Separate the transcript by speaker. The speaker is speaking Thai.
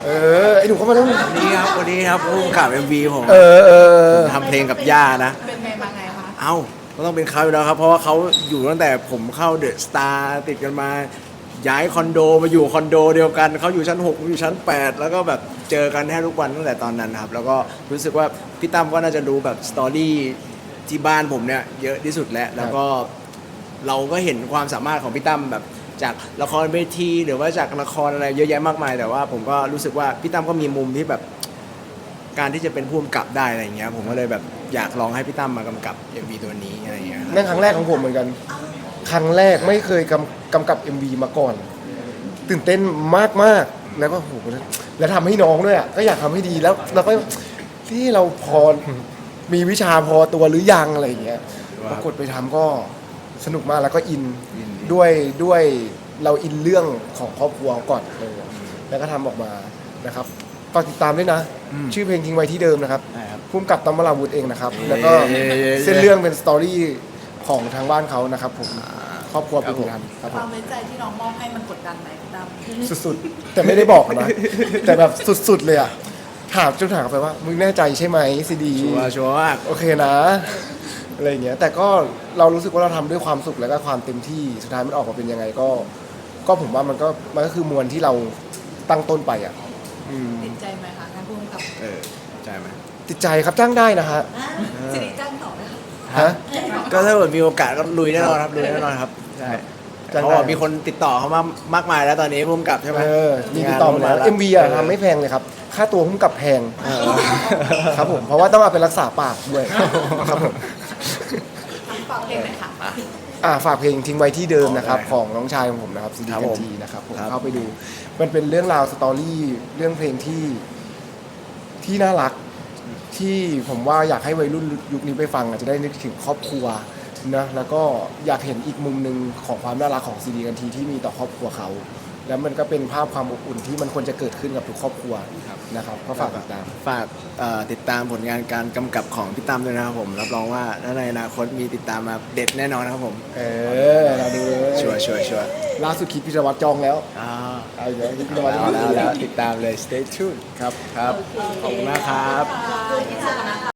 Speaker 1: ไอ้หนูเข้ามาแล้ว
Speaker 2: วันนี้ครับพุ่มกับ MV ผมทำเพลงกับย่านะ
Speaker 3: เป็นไงมาไงคะ
Speaker 2: เอ้าก็ต้องเป็นเขาอยู่แล้วครับเพราะว่าเขาอยู่ตั้งแต่ผมเข้าเดอะสตาร์ติดกันมาย้ายคอนโดมาอยู่คอนโดเดียวกันเขาอยู่ชั้น6ผมอยู่ชั้น8แล้วก็แบบเจอกันแทบทุกวันตั้งแต่ตอนนั้นครับแล้วก็รู้สึกว่าพี่ตั้มก็น่าจะรู้แบบสตอรี่ที่บ้านผมเนี่ยเยอะที่สุดแล้วก็เราก็เห็นความสามารถของพี่ตั้มแบบจากละครเวทีหรือว่าจากละครอะไรเยอะแยะมากมายแต่ว่าผมก็รู้สึกว่าพี่ตั้มก็มีมุมที่แบบการที่จะเป็นผู้กำกับได้อะไรอย่างเงี้ยผมก็เลยแบบอยากลองให้พี่ตั้มมากำกับ MV ตัวนี้อะไรอย่างเงี้ย
Speaker 1: นั่นครั้งแรกของผมเหมือนกันครั้งแรกไม่เคยกำกับ MV มาก่อนตื่นเต้นมากๆแล้วก็โหแล้วทำให้น้องด้วยอ่ะก็อยากทำให้ดีแล้วเราก็ที่เราพอมีวิชาพอตัวหรือยังอะไรอย่างเงี้ยปรากฏไปทำก็สนุกมากแล้วก็อินด้วยเราอินเรื่องของครอบครัวก่อนเลยแล้วก็ทำออกมานะครับฝากติดตามด้วยนะชื่อเพลงทิ้งไว้ที่เดิมนะครับพุ่มกับตั้มวราวุธเองนะครับแล้วก็เส้นเรื่องเป็นสตอรี่ของทางบ้านเขานะครับผมครอบครัวเป็นคนทำครับ
Speaker 3: ความไว้ใจที่น้องมอบให้มันกดดันไหมดำ
Speaker 1: สุดๆแต่ไม่ได้บอกนะแต่แบบสุดๆเลยอ่ะถามไปว่ามึงแน่ใจใช่ไหมซีดี
Speaker 2: ชัวร์มาก
Speaker 1: โอเคนะอะไรอย่างเงี้ยแต่ก็เรารู้สึกว่าเราทำด้วยความสุขแล้วก็ความเต็มที่สุดท้ายมันออกมาเป็นยังไงก็ผมว่ามันก็คือมวลที่เราตั้งต้นไปอ่ะ
Speaker 3: ติดใจไหมคะงานพุ่งกับ
Speaker 2: ใช่ไหม
Speaker 1: ติดใจครับจ้างได้นะฮะ
Speaker 3: สิริจ้างต่อไหมคะ
Speaker 1: ฮะ
Speaker 2: ก็ถ้าเกิดมีโอกาสก็ลุยแน่นอนครับลุยแน่นอนครับใช่เพราะว่ามีคนติดต่อเขามากมายแล้วตอนนี้พุ่มกับใช่ไหม
Speaker 1: มีติดต่อมาแล้ว MV อ่ะทำไม่แพงเลยครับค่าตัวพุ่มกับแพงครับผมเพราะว่าต้องเอาไปรักษาปากด้วยครับผม
Speaker 3: ฝากเพลงหน่อยค่ะ
Speaker 1: ฝากเพลงทิ้งไว้ที่เดิมนะครับของน้องชายของผมนะครับซีดีกันทีนะครับผมเข้าไปดูมันเป็นเรื่องราวสตอรี่เรื่องเพลงที่น่ารักที่ผมว่าอยากให้วัยรุ่นยุคนี้ไปฟังอาจจะได้นึกถึงครอบครัวนะแล้วก็อยากเห็นอีกมุมหนึ่งของความน่ารักของซีดีกันทีที่มีต่อครอบครัวเขาแล้วมันก็เป็นภาพความอบอุ่นที่มันควรจะเกิดขึ้นกับทุกครอบครัวนะครับก็ฝากติดตาม
Speaker 2: ติดตามผลงานการกำกับของพี่ตั้มด้วยนะครับผมรับรองว่าในอนาคตมีติดตามมาเด็ดแน่นอนนะครับผม
Speaker 1: เราดู
Speaker 2: ชัวร์
Speaker 1: ล่าสุดคิดพิจวัตรจองแล้ว
Speaker 2: เอาเดี๋ยวคิดพิจวัตรแล้วติดตามเลย stay tuned ครับขอบคุณมากครับ